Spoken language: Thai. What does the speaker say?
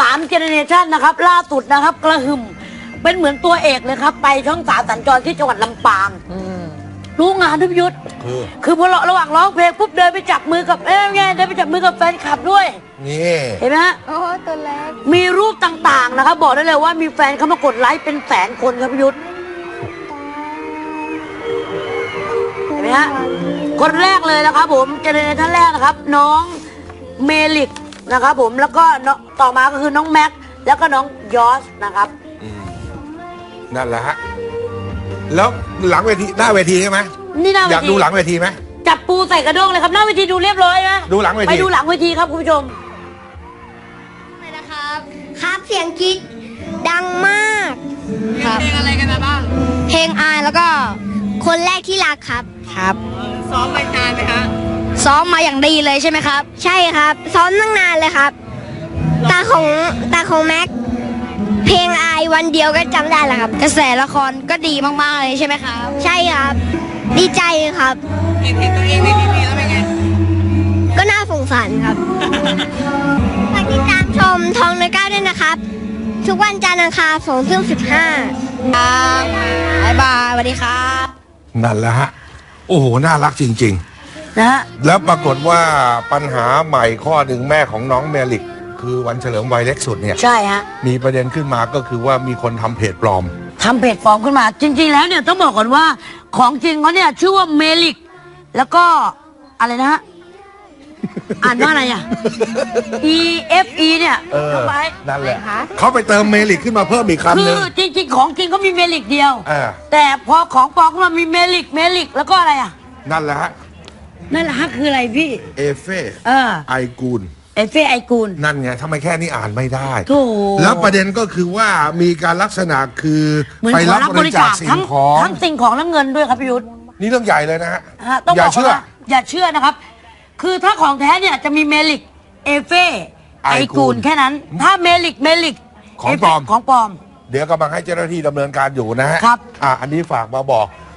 3 เจเนเรชันนะครับล่าสุดนะครับกระหึ่มเป็นเหมือนตัวเอกเลยครับไปช่อง3สัญจรที่จังหวัดลำปางรู้งานทุกยุทธคือพอระหว่างร้องเพลงปุ๊บเดินไปจับมือกับเดินไปจับมือกับแฟนคลับด้วยนี่เห็นไหมฮะโอ้ตัวเล็กมีรูปต่างๆนะครับบอกได้เลยว่ามีแฟนเข้ามากดไลค์เป็นแสนคนครับพี่ยุทธเห็นไหมฮะคนแรกเลยนะครับผมเจเนเรชันแรกนะครับน้องเมลิกนะครับผมแล้วก็ต่อมาก็คือน้องแม็กแล้วก็น้องยอสนะครับนั่นแหละฮะแล้วหลังเวทีหน้าเวทีใช่ไหมนี่หน้าเวทีอยากดูหลังเวทีไหมจับปูใส่กระด้งเลยครับหน้าเวทีดูเรียบร้อยไหมดูหลังเวทีไปดูหลังเวทีครับคุณผู้ชมนะครับครับเสียงกรี๊ดดังมากครับเพลงอะไรกันนะบ้างเพลงอายแล้วก็คนแรกที่รักครับครับซ้อมมานานไหมคะซ้อมมาอย่างดีเลยใช่ไหมครับใช่ครับซ้อมตั้งนานเลยครับตาของแม็กเพลงอายวันเดียวก็จำได้แล้วครับกระแสละครก็ดีมากๆเลยใช่ไหมครับใช่ครับดีใจครับเห็นตัวเองในทีวีแล้วเป็นไงก็น่าสงสารครับฝากติดตามชมทองในก้าวด้วยนะครับทุกวันจันทร์อังคาร2:15ครับบ๊ายบายสวัสดีครับนั่นแหละฮะโอ้โหน่ารักจริงๆนะฮะแล้วปรากฏว่าปัญหาใหม่ข้อหนึ่งแม่ของน้องเมลิกคือวันเฉลิมวัยเล็กสุดเนี่ยใช่ฮะมีประเด็นขึ้นมาก็คือว่ามีคนทำเพจปลอมขึ้นมาจริงๆแล้วเนี่ยต้องบอกก่อนว่าของจริงเขาเนี่ยชื่อว่าเมลิกแล้วก็อะไรนะฮะอ่านว่าอะไรอ่ะ EFE เนี่ยเข้าไปนั่นแหละเขาไปเติมเมลิกขึ้นมาเพิ่มอีกคำหนึ่งคือจริงๆของจริงเขามีเมลิกเดียวแต่พอของปลอมขึ้นมามีเมลิกแล้วก็อะไรอ่ะนั่นแหละฮะคืออะไรพี่เอเฟไอกูลไอกูลนั่นไงทำไมแค่นี้อ่านไม่ได้แล้วประเด็นก็คือว่ามีการลักษณะคือไปรับบริจาคสิ่งของทั้งสิ่งของและเงินด้วยครับพี่ยุทธนี่เรื่องใหญ่เลยนะฮะอย่าเชื่อนะครับคือถ้าของแท้เนี่ยจะมีเมลิกเอเฟไอกูลแค่นั้นถ้าเมลิกของปลอมเดี๋ยวกำลังให้เจ้าหน้าที่ดำเนินการอยู่นะฮะครับอันนี้ฝากมาบอก